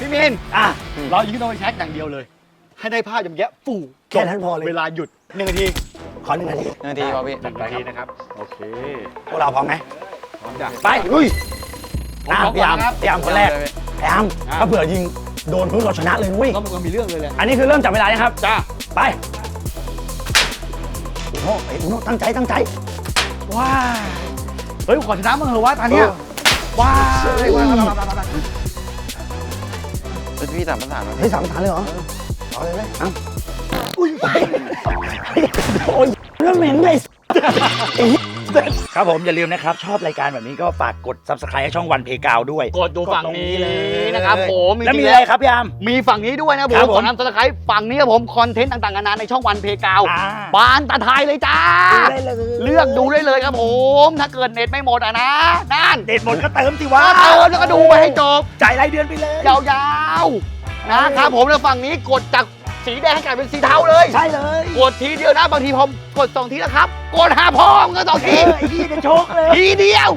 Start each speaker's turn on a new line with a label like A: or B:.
A: พี่มินเรายิงโดนแช็คอย่างเดียวเลย ให้ได้ภาพอย่างเงี้ยฟู่
B: แค่นั้นพอเลย
A: เวลาหยุด1 นาที
B: ขอ1 นาที
C: นาทีพอพี่
A: 1 นาทีนะครับโอเค
B: พวกเราพร้อมไหม
A: พร้อมจ้ะ
B: ไปลุย
A: ผม
B: พี่อาร์ม
A: ครับ
B: พี่อาร์มคนแรกพี่อาร์มถ้าเผื่อยิงโดนพื้นเราชนะเลยนุ้ย
A: ก็มันมีเรื่องเลยแหละ
B: อันนี้คือเริ่มจับเวลานะครับ
A: จ้า
B: ไปโอ้โหโอ้โหตั้งใจ
A: ว้าเฮ้ยขอชนะมึงเหรอวะตอนเนี้ยว้า
C: เป็นพี่สามภาษา
B: เฮ้ยสามฐานเลยเหรอเอาเลยเอาอุ้ยโอ้ยเรื่องเหม็นเลยครับผมอย่าลืมนะครับชอบรายการแบบนี้ก็ฝากกด subscribe ให้ช่องวันเพกาวด้วย
A: กดดูฝั่งนี้นะครับผม
B: แล้วมีอะไรครับพี่อาร์ม
A: มีฝั่งนี้ด้วยนะผ
B: ครั
A: ม
B: บผม
A: ขอนำสไครต์ฝั่งนี้ครับผมคอนเทนต์ต่างๆนานาในช่องวันเพกาว บานตาไทยเลยจ้า เลือกดูได้เลยครับผม ถ้าเกิดเน็ตไม่หมดอะนะนั่น
B: เด็ดหมดก็เติมสิวะ
A: ก็เติมแล้วก็ดูไปให้จบ
B: จ่ายรายเดือนไปเลย
A: ยาวๆนะครับผมแล้วฝั่งนี้กดจากสีแดงให้กลายเป็นสีเทาเลย
B: ใช่เลย
A: กดทีเดียวนะบางทีผมกด2 ทีแล้วครับ กด5 พอมก็2 ที
B: ไอ้พี่จะโชคเลย
A: ทีเดียว